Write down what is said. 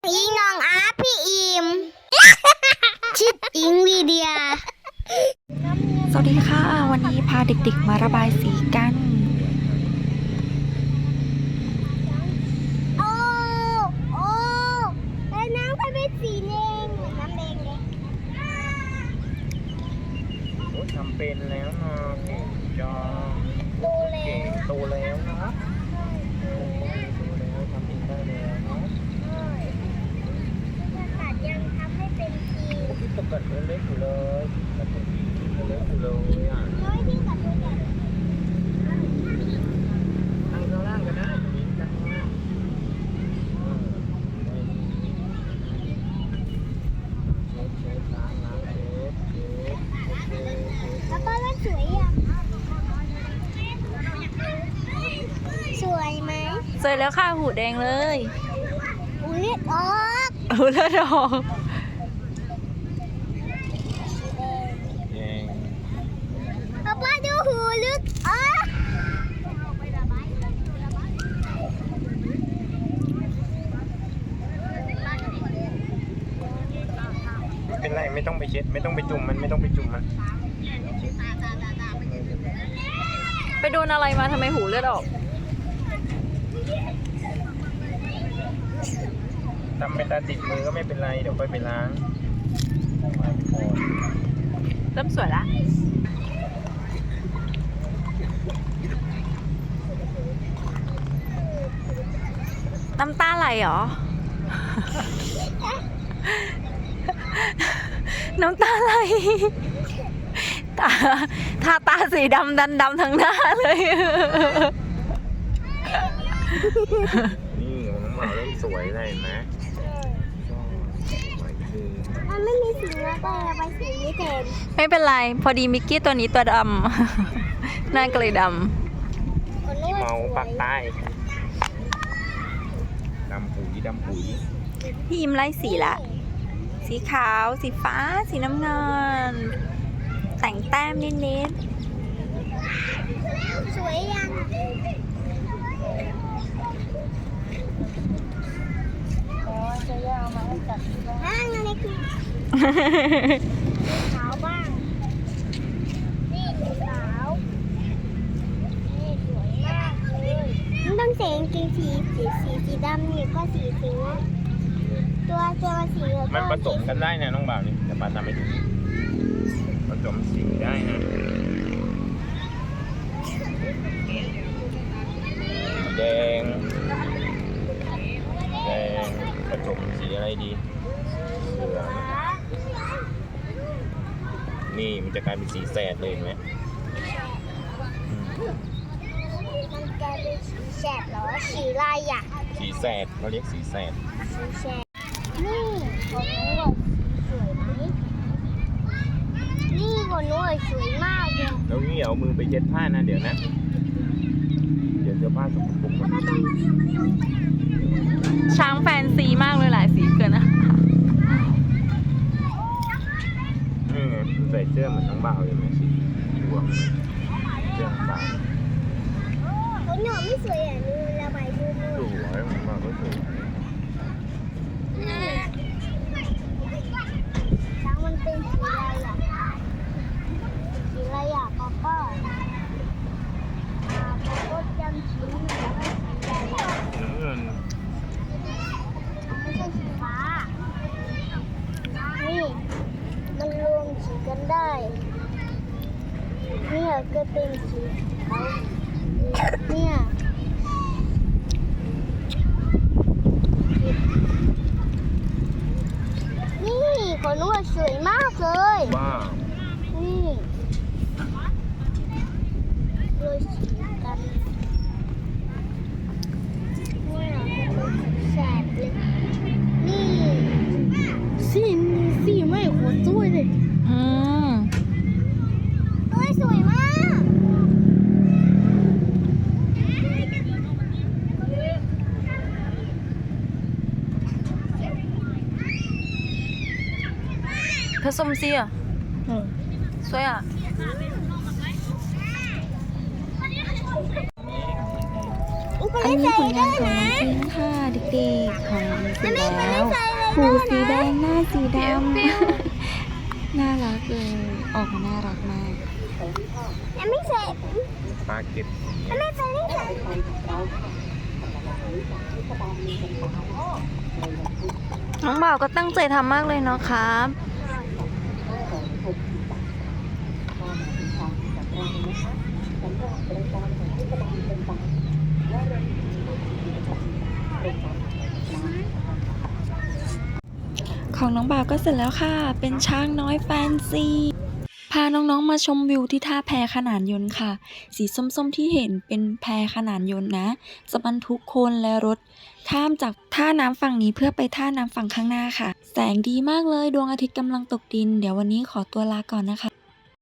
อีน้องอาพี่อิมชิดอิงวีเดียสวัสดีค่ะวันนี้พาเด็กๆมาระบายสีกันโอ้แล้วน้ำก็เป็นสีแดงเหมือนน้ำแดงเลยโอ้ทำเป็นแล้วเนาะเก่งจังโตแล้เก่งวโตแล้วเนาะโตแล้วทำเองได้แล้วเนาะตัดยังทำให้เป็นสีพี่ตกกัดเล็กอยู่เลยกัดเล็กอยู่เลยอ่ะน้อยที่กัดตัวใหญ่นั่งข้างล่างกันนะตรงนี้นั่งข้างล่างเช็ดล้างเช็ดแล้วก็ว่าสวยอ่ะสวยไหมสวยแล้วค่ะหูแดงเลยอุ้ยเลือดออกเอาเลือดออกแดงป้าดูหูลึกออกไม่เป็นไรไม่ต้องไปเช็ดไม่ต้องไปจุ่มมันไม่ต้องไปจุ่มมันไปโดนอะไรมาทำไมหูเลือดออกทำไปตาติดมือก็ไม่เป็นไรเดี๋ยวค่อยไปล้างเริ่มสวยละน้ำตาไหลเหรอ น้ำตาไหลตาสีดำดำทั้งหน้าเลยนี่ของน้องหมาเริ่มสวยเลยเห็นไหมสวยคือมันไม่มีสีแล้วแต่ไปสีนี้แทนไม่เป็นไร พอดีมิกกี้ตัวนี้ตัวดำ หน้าก็เลยดคนนู้นเมาปากใต้ดำปุ๋ยดำปุ๋ยำพี่ยิ้มไล่สีละ สีขาว สีฟ้า สีน้ำเงิน แต่งแต้มนิดสวยยังห้างอะไรคือๆขาวบ้าง นี่สีขาว นี่สวยมากเลยมันต้องเสียงจริงสีดำนี่ก็สีสิงห์ตัวสีเหลืองมันผสมกันได้นะน้องบ่าวนี่เดี๋ยวป้าทำให้ดูผสมสีได้นะแดงผสมสีอะไรดีเหลืองนี่มันจะกลายเป็นสีแสดเลยเห็นไหมมันจะเป็นสีแสดเหรอสีลายอ่ะสีแสดเขาเรียกสีแสดสีแสดนี่ของหนูอะสวยไหมนี่ของหนูอะสวยมากเลยแล้วนี่เอามือไปเย็ดผ้านะเดี๋ยวนะ เดี๋ยวเสื้อผ้าสกปรกหมดช้างแฟนซีมากเลยหลายสีเกินนะนี่ไงใส่เสื้อเหมือนน้องบ่าวเลยไหมสีดวงเสื้อน้องบ่าวของหนูไม่สวยอ่ะหนูระบายดูมือสวยน้องบ่าวก็สวยช้างมันเป็นสีอะไรอ่ะสีอะไรอ่ะป๊าป้าก็จำสีไม่ได้สีอะไรอ่ะน้ำเงินไม่ใช่สีฟ้า นี่ มันรวมสีกันได้ เนี่ยก็เป็นสีขาวเนี่ยนี่ของหนูอะสวยมากเลยว้าวนี่โรยสีกันเนี่ยเป็นสีแสดเลย นี่สีไม่โคตรสวยเลยอืมเฮ้ยสวยมากผสมสีอ่ะสวยอ่ะอุ๊ยอันนี้ผลงานของน้องพิงค์ค่ะเด็กๆของน้องเสร็จแล้วหูสีแดงหน้าสีดำ น่ารักเลย ออกมาน่ารักมากยังไม่เสร็จปลาเก็บยังไม่เสร็จน้องบ่าวก็ตั้งใจทำมากเลยเนาะครับ ของน้องบ่าวก็เสร็จแล้วค่ะ เป็นช้างน้อยแฟนซี พาน้องๆมาชมวิวที่ท่าแพขนานยนต์ค่ะ สีส้มๆที่เห็นเป็นแพขนานยนต์นะจะบรรทุกคนและรถข้ามจากท่าน้ำฝั่งนี้เพื่อไปท่าน้ำฝั่งข้างหน้าค่ะ แสงดีมากเลยดวงอาทิตย์กำลังตกดิน เดี๋ยววันนี้ขอตัวลาก่อนนะคะ